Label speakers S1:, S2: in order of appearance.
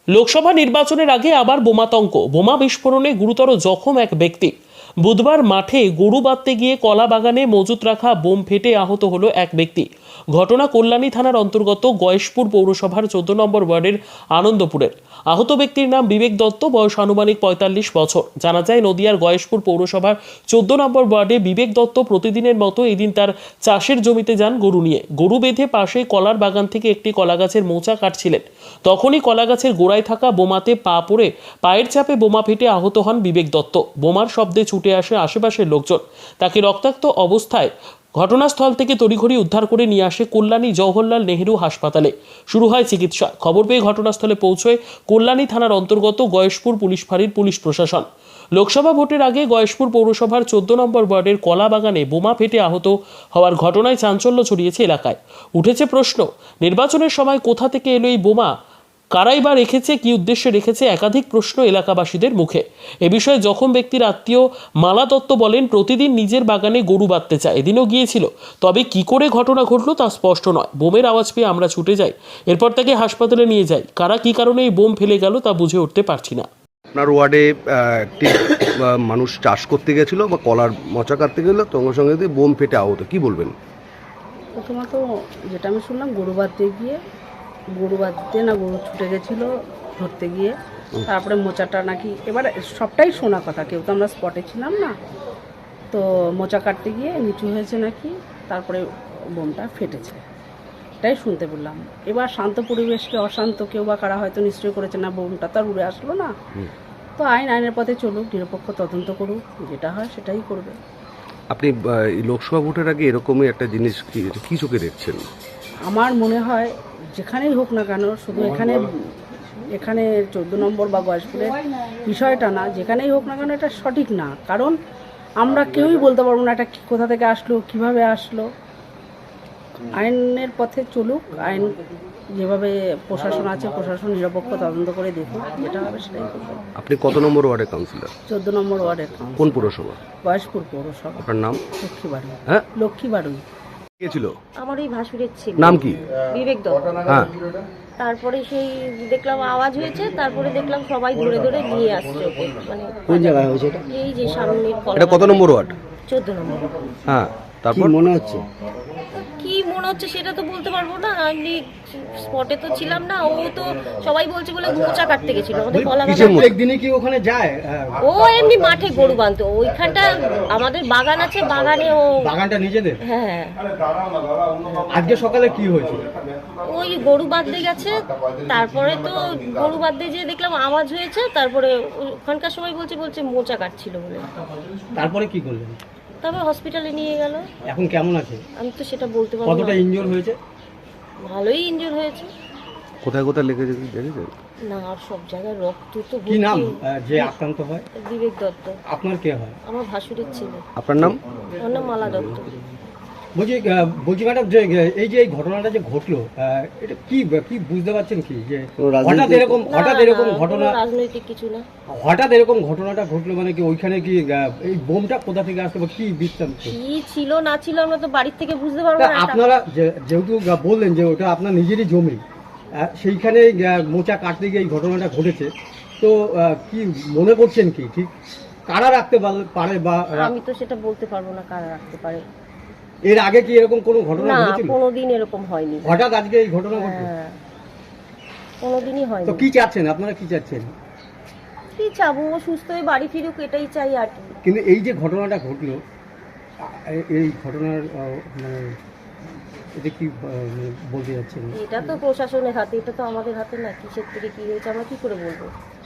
S1: লোকসভা নির্বাচনের আগে আবার বোমাতঙ্ক, বোমা বিস্ফোরণে গুরুতর জখম এক ব্যক্তি। বুধবার মাঠে গরু বাঁধতে গিয়ে কলা বাগানে মজুত রাখা বোম ফেটে আহত হলো এক ব্যক্তি। ঘটনা কল্যাণী থানার অন্তর্গত গয়েশপুর পৌরসভার 14 নম্বর ওয়ার্ডের আনন্দপুরের। আহত ব্যক্তির নাম বিবেক দত্ত, বয়স আনুমানিক 45 বছর। জানা যায়, নদিয়ার গয়েশপুর পৌরসভার 14 নম্বর ওয়ার্ডে বিবেক দত্ত প্রতিদিনের মতো এদিন তার চাষের জমিতে যান গরু নিয়ে। গরু বেঁধে পাশে কলার বাগান থেকে একটি কলা গাছের মোচা কাটছিলেন। তখনই কলা গাছের গোড়ায় থাকা বোমাতে পা পড়ে পায়ের চাপে বোমা ফেটে আহত হন বিবেক দত্ত। বোমার শব্দে ছুটে আসে আশেপাশের লোকজন। তাকে রক্তাক্ত অবস্থায় ঘটনাস্থল থেকে তড়িঘড়ি উদ্ধার করে নিয়ে আসে কল্যাণী জওহরলাল নেহেরু হাসপাতালে। শুরু হয় চিকিৎসা। খবর পেয়ে ঘটনাস্থলে পৌঁছয় কল্যাণী থানার অন্তর্গত গয়েশপুর পুলিশ ফাঁড়ির পুলিশ প্রশাসন। লোকসভা ভোটের আগে গয়েশপুর পৌরসভার 14 নম্বর ওয়ার্ডের কলা বাগানে বোমা ফেটে আহত হওয়ার ঘটনায় চাঞ্চল্য ছড়িয়েছে এলাকায়। উঠেছে প্রশ্ন, নির্বাচনের সময় কোথা থেকে এলো এই বোমা? কারাই বা রেখেছে, কি উদ্দেশ্যে রেখেছে? একাধিক প্রশ্ন এলাকাবাসীদের মুখে। এ বিষয়ে জখম ব্যক্তির আত্মীয় মালা দত্ত বলেন, প্রতিদিন নিজের বাগানে গরু বাঁধতে চায়, এদিনও গিয়েছিল। তবে কি করে ঘটনা ঘটলো তা স্পষ্ট নয়। বোমের আওয়াজ পেয়ে আমরা ছুটে যাই, এরপর তাকে হাসপাতালে নিয়ে যাই। কারা কি কারণে এই বোম ফেলে গেল তা বুঝে উঠতে পারছি না।
S2: আপনার ওয়ার্ডে একটি মানুষ চাষ করতে গেছিল বা কলার মোচা কাটতে গেল, সঙ্গে সঙ্গে যদি বোম ফেটে আহত, কি বলবেন?
S3: প্রথমত যেটা আমি শুনলাম, গরু বাঁধতে না গরু ছুটে গেছিলো ধরতে গিয়ে, তারপরে মোচাটা নাকি, এবার সবটাই শোনা কথা, কেউ তো আমরা স্পটে ছিলাম না, তো মোচা কাটতে গিয়ে নিচু হয়েছে নাকি, তারপরে বোমটা ফেটেছে, এটাই শুনতে পেলাম। এবার শান্ত পরিবেশকে অশান্ত কেউ বা কারা হয়তো নিশ্চয়ই করেছে, না বোমটা তো আর উড়ে আসলো না। তো আইনের পথে চলুক, নিরপেক্ষ তদন্ত করুক, যেটা হয় সেটাই করবে।
S2: আপনি লোকসভা ভোটের আগে এরকমই একটা জিনিস কি চোখে দেখছেন?
S3: আমার মনে হয় যেখানেই হোক না কেন, শুধু এখানে 14 নম্বর বা গয়েশপুরের বিষয়টা না, যেখানেই হোক না কেন এটা সঠিক না। কারণ আমরা কেউই বলতে পারবো না এটা কোথা থেকে আসলো, কিভাবে আসলো। আইনের পথে চলুক, আইন যেভাবে প্রশাসন আছে, প্রশাসন নিরপেক্ষ তদন্ত করে দেখুক, যেটা হবে সেটাই করবে।
S2: আপনি কত নম্বর ওয়ার্ডের কাউন্সিলর?
S3: 14 নম্বর ওয়ার্ডের
S2: কোন পৌরসভা?
S3: গয়েশপুর পৌরসভা।
S2: আপনার নাম?
S3: লক্ষ্মীবাড়ি।
S2: হ্যাঁ,
S3: লক্ষ্মীবাড়ি।
S2: কে ছিল?
S4: আমার ওই ভাসুরের ছিল।
S2: নাম কি?
S4: বিবেক দত্ত।
S2: হ্যাঁ,
S4: তারপরে সেই দেখলাম আওয়াজ হয়েছে, তারপরে দেখলাম সবাই ধরে ধরে নিয়ে আসছে ওকে। মানে
S5: কোন জায়গায় হয়েছে এটা?
S4: এই যে সামনের
S2: এটা কত নম্বর ওয়ার্ড?
S4: 14 নম্বর।
S2: হ্যাঁ, তারপর
S5: কি মনে হচ্ছে?
S4: কি মনে হচ্ছে সেটা তো বলতে পারবো না, আমি স্পটে তো ছিলাম না। ও তো সবাই বলছে বলে মোচা কাটতে গেছিল আমাদের কলা বাগান।
S5: প্রত্যেকদিনই কি ওখানে যায়?
S4: ও এমনি মাঠে গরু বাঁধতো, ওইখানটা আমাদের বাগান আছে, বাগানে ও।
S5: বাগানটা নিজেদের?
S4: হ্যাঁ,
S5: আজকে সকালে কি হয়েছে?
S4: ওই গরু বাঁধতে গেছে, তারপরে তো গরু বাঁধতে যেয়ে দেখলাম আওয়াজ হয়েছে, তারপরে ওখানকার সবাই বলছে মোচা কাটছিল বলে।
S5: তারপরে কি করলেন?
S4: তারপর হসপিটালে নিয়ে গেল।
S5: এখন কেমন আছে?
S4: আমি তো সেটা বলতে পারবো না।
S5: কতটা ইনজোর হয়েছে?
S4: ভালোই ইনজুর হয়েছে।
S2: কোথায় কোথায় লেগেছে দেখেছেন?
S4: না, আর সব জায়গায় রক্ত তো
S5: কি নাম
S4: ভর্তি।
S5: যে আক্রান্ত হয়?
S4: বিবেক দত্ত।
S5: আপনার কে হয়?
S4: আমার ভাসুরের ছেলে।
S2: আপনার নাম?
S4: ওর নাম মালা দত্ত।
S5: বলছি ম্যাডাম, যে এই ঘটনাটা যে ঘটলো, এটা কি বুঝতে পারছেন কি, যে হঠাৎ এরকম ঘটনা?
S4: রাজনৈতিক কিছু না।
S5: হঠাৎ এরকম ঘটনাটা ঘটলো মানে কি, ওইখানে কি এই বোমটা কোথা থেকে আসলো বা কি বৃত্তান্ত?
S4: কি ছিল না ছিল আমরা তো বাড়ির থেকে বুঝতে পারবো না।
S5: আপনারা যেহেতু বললেন যে ওটা আপনার নিজেরই জমি, সেইখানে মোচা কাটতে গিয়ে এই ঘটনাটা ঘটেছে, তো কি মনে করছেন কি ঠিক কারা রাখতে পারে? বা
S4: আমি তো সেটা বলতে পারবো না কারা রাখতে পারে।
S5: এর আগে কি এরকম কোনো ঘটনা
S4: না,
S5: ঘটেছিল?
S4: কোনোদিন এরকম হয়নি।
S5: হঠাৎ আজকে এই ঘটনা ঘটলো?
S4: হ্যাঁ, কোনোদিনই হয়নি।
S5: তো কি চাচ্ছেন আপনারা, কি চাচ্ছেন?
S4: কি চাবো, ও সুস্থ হয়ে বাড়ি ফিরুক, এটাই চাই আর কি।
S5: কিন্তু এই যে ঘটনাটা ঘটলো, এই ঘটনার মানে এটা কি বলতে যাচ্ছেন?
S4: এটা তো প্রশাসনের হাতে, এটা তো আমাদের হাতে না। কিসের থেকে কি হয়েছে আমরা কি করে বলবো?